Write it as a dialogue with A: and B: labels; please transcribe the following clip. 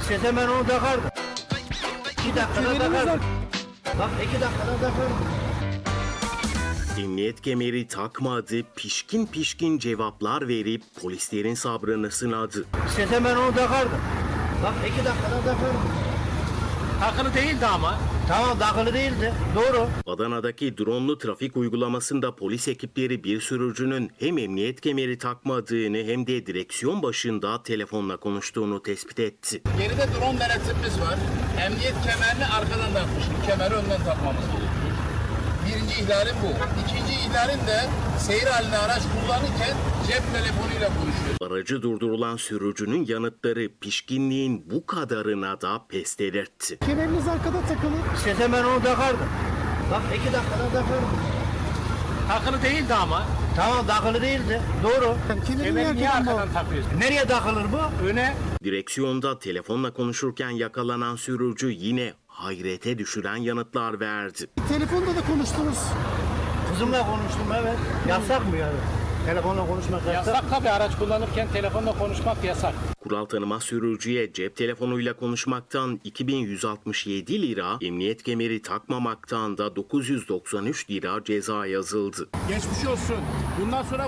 A: İstesem ben onu takardım. 2 dakikada takardım. Bak 2 dakikada takardım.
B: Emniyet kemeri takmadı, pişkin pişkin cevaplar verip polislerin sabrını sınadı.
A: İstesem ben onu takardım. Bak 2 dakikada takardım.
C: Takılı değildi ama.
A: Tamam takılı değildi. Doğru.
B: Adana'daki dronlu trafik uygulamasında polis ekipleri bir sürücünün hem emniyet kemeri takmadığını hem de direksiyon başında telefonla konuştuğunu tespit etti.
D: Geride drone denetimimiz var. Emniyet kemerini arkadan takmışım. Kemeri önden takmamız gerekiyor. Birinci ihlalim bu. İkinci ihlalim de seyir halinde araç kullanırken cep telefonuyla konuşuyor.
B: Aracı durdurulan sürücünün yanıtları pişkinliğin bu kadarına da pes delirtti.
E: Kemeriniz arkada takılı.
A: İstesem ben onu takardım. Bak 2 dakikada takardım.
C: Takılı değildi ama.
A: Tamam takılı değildi. Doğru.
C: Kemeri niye arkadan takıyorsun?
A: Nereye takılır bu?
C: Öne.
B: Direksiyonda telefonla konuşurken yakalanan sürücü yine hayrete düşüren yanıtlar verdi.
E: Telefonda da konuştunuz.
A: Kızımla konuştum evet. Yasak mı yani? Telefonla konuşmak yasak.
C: Yasak tabii, araç kullanırken telefonla konuşmak yasak.
B: Kural tanımaz sürücüye cep telefonuyla konuşmaktan 2167 lira, emniyet kemeri takmamaktan da 993 lira ceza yazıldı.
D: Geçmiş olsun. Bundan sonra